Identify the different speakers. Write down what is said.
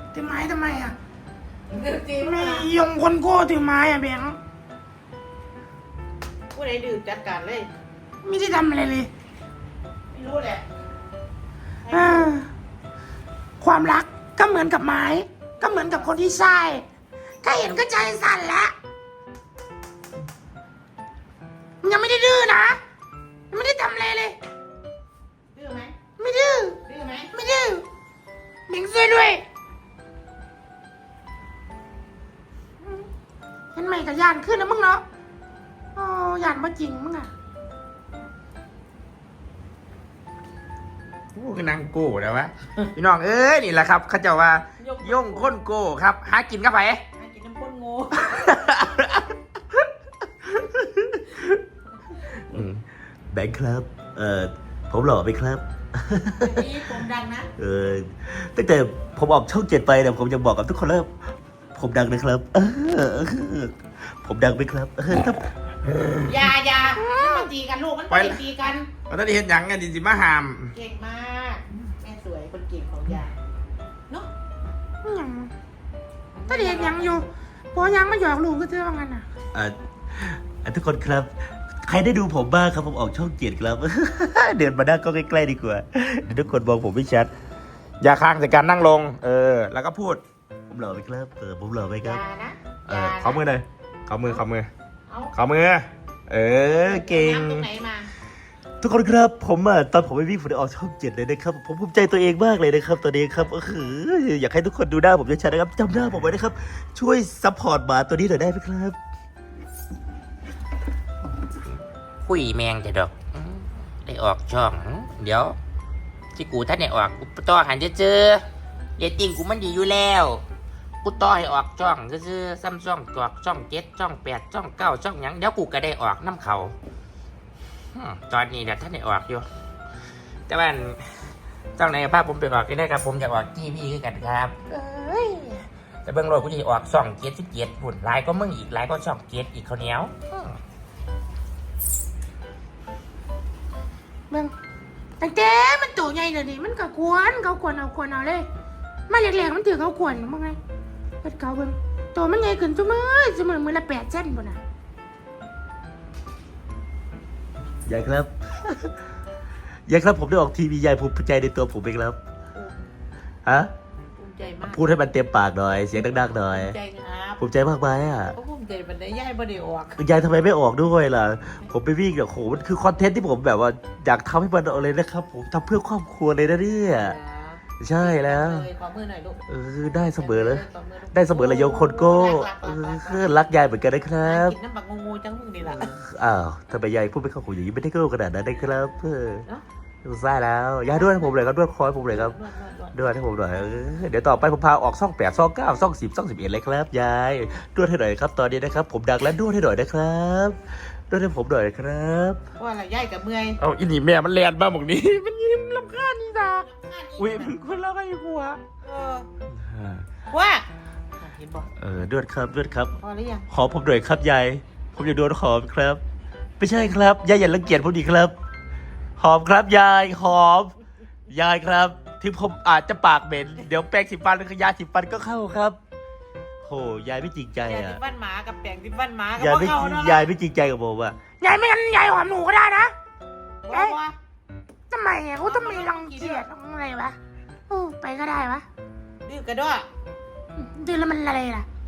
Speaker 1: ถือไม้ทำไมอ่ะ
Speaker 2: จริง
Speaker 1: ไม่ยงคนโก้ถือไม้อ่ะแบงค์
Speaker 2: ผู้ใดดื่มจัดการเลย
Speaker 1: ไม่ได้ทำอะไรเลย
Speaker 2: ไม่รู้แหละ
Speaker 1: ความรักก็เหมือนกับไม้ ก็เหมือนกับคนที่ใช่แค่เห็นก็ใจสั่นแล้วยังไม่ได้ดื้อนะยังไม่ได้ทำอะไรเลย
Speaker 2: ดื้อไหม
Speaker 1: ไม่ดื้อ
Speaker 2: ดื้อไหม
Speaker 1: ไม่ดื้อเบงช่วยด้วยเห็นไหมกับยานขึ้นนะมึงเนาะโอ้ยานมาจริงมึงอ่ะ
Speaker 3: โอ้คือนางโก้แล้ววะ พี่น้องเอ้ยนี่แหละครับเขาเจะว่าย่งค้นโก้ครับ หากินกับไผ
Speaker 2: ให้กินน้ำข้นงู
Speaker 4: แบงค์ครับผมหล่อไหมครับ
Speaker 2: นี่ผมดังนะ
Speaker 4: ตั้งแต่ผมออกช่อง7ไปเนี่ยผมจะบอกกับทุกคนแล้วผมดังนะครับ ผมดังไหมครับครับ
Speaker 2: อย่ามันมาตีกันลูกมันไม่ตีกัน
Speaker 3: เราต้องได้เห็นหยังกันดิสิมาหาม
Speaker 2: เก่งมากแม่สวยคนเก่งของยายเนาะ
Speaker 1: ยังถ้าเด็กยังอยู่พอยังไม่หยอกลูกก็เท่างั้นอ่ะ
Speaker 4: ทุกคนครับ ใครได้ดูผมบ้างครับผมออกช่อง7ครับ เดินมาด้านก็ใกล้ๆดีกว่าเดี๋ยวทุกคนมองผมไม่ชัด
Speaker 3: อย่าค้างจากการนั่งลง แล้วก็พูด
Speaker 4: ผมหล่อไหมครับผมหล่อไหม
Speaker 2: อ
Speaker 4: ครับ
Speaker 2: ย่านะ
Speaker 3: ขอมือหน่อยขอมือ
Speaker 2: เอา
Speaker 3: ขอมือ เก่ง
Speaker 2: น้ำตรงไหนมา
Speaker 4: ทุกคนครับผมตอนผมไปวิ่งผมได้ออกช่อง7เลยนะครับผมภูมิใจตัวเองมากเลยนะครับตอนนี้ครับอยากให้ทุกคนดูหน้าผมชัดๆนะครับจำหน้าผมไว้นะครับช่วยซัพพอร์ตหมาตัวนี้หน่อยได้ไหมครับ
Speaker 5: คุยแมงจะดอกได้ออกช่อง เดี๋ยวที่กูท่านได้ออกกูต่อหันจะเจอเรตติ้งกูมันดีอยู่แล้วกูต่อให้ออกช่องซื่อๆซ้ำช่องตอกช่อง7ช่อง8ช่อง9ช่องหยังเดี๋ยวกูก็ได้ออกน้ำเขาตอนนี้เดี๋ยวท่านได้ออกอยู่แต่ว่าช่องไหนภาพผมไปออกก็ได้ครับผมอยากออกทีวีคือกันครับแต่เบื้องโลกกูจะออกช่อง77หุ่นหลายก็มึงอีกหลายก็ช่อง7อีกเขาวเหนียว
Speaker 1: เบิ่งตั้งแต่มันตัวใหญ่เดี๋ยวนี้มันก็ควรเขาควรเอาเลยมาแรกๆมันถือเขาควรมึงไงเฮ็ดเขาเบิ่งตัวมันใหญ่ขึ้นมือละ8 เซนบ่น่ะ
Speaker 4: ยายครับ ยายครับผมได้ออกทีวียายภูมิใจในตัวผมเองครับฮะ
Speaker 2: ภูมิใจมาก
Speaker 4: พูดให้มันเต็มปากหน่อยเสียงดังๆหน่อย
Speaker 2: ภูมิใจครับ
Speaker 4: ภูมิใจมากไหมอ่ะ
Speaker 2: ก็ภูมิใจมันได้ย่ายบ่ได้ออก
Speaker 4: ยายทำไมไม่ออกด้วยล่ะผมไปวิ่งเนี่ยโหมันคือคอนเทนต์ที่ผมแบบว่าอยากทำให้มันออกเลยนะครับผมทำเพื่อครอบครัวเลยนะเนี่ยใช่แล้ว
Speaker 2: ขอมือหน่อยลูก
Speaker 4: ได้เสมอเลยได้เสมอเลยโยงคนโก้รักยายเหมือนกันนะครับ
Speaker 2: กินน้ำบักงูจังมึงนี่ล่ะ
Speaker 4: อ้าวทำไมยายพูดไม่เข้าหูอย่างนี้ไม่ได้โก้ขนาดนั้นนะครับ
Speaker 2: เนาะ
Speaker 4: ใช่แล้วยายด้วยให้ผมเลยครับด้วยคอยผมเลยครับ
Speaker 2: นวด
Speaker 4: ด้วยให้ผมหน่อยเดี๋ยวต่อไปผมพาออกช่อง8ช่อง9ช่อง10ช่อง11เลยครับยายด้วยให้หน่อยครับตอนนี้นะครับผมดังแล้วด้วยให้หน่อยนะครับด้วยให้ผมหน่อยครับ
Speaker 2: ว่าอะไรย่ายกับเมื่อย
Speaker 3: เอาอินี่แม่มันแลนบ้าหมกนี้ มันยิ้มลำคาญนี่ตาอุ้ยมันคนละไอ้หัว
Speaker 2: ว่าเห็นบอก
Speaker 4: ด้วยครับด้วยครับ
Speaker 2: พอหรือยัง
Speaker 4: ขอผมหน่อยครับยายผมอยากโดนหอมครับไม่ใช่ครับยายอย่ารังเกียจผมดีครับหอมครับยายหอมยายครับถึงผมอาจจะปากเหม็นเดี๋ยวแปรงสีฟันหรือยาสีฟันก็เข้าครับโหยายไม่จริงใจ
Speaker 2: แปรง
Speaker 4: อ่ะ
Speaker 2: ที่บ้านหมากับแปรงที่บ้านหมากับ
Speaker 4: ยาย
Speaker 2: พ่อ
Speaker 4: ไม่
Speaker 2: เขาเนาะ
Speaker 4: ยายไม่จริงใจกับผมอ่ะ
Speaker 1: ยายไม่งั้นยายหอมหนูก็ได้นะ
Speaker 2: ว่า
Speaker 1: ทำไมอ่ะเขาทำไมรังเกียจอะไรวะไปก็ได้วะ
Speaker 2: ดื้อกระด้อ
Speaker 1: ดื้อแล้วมันอะไรล่ะ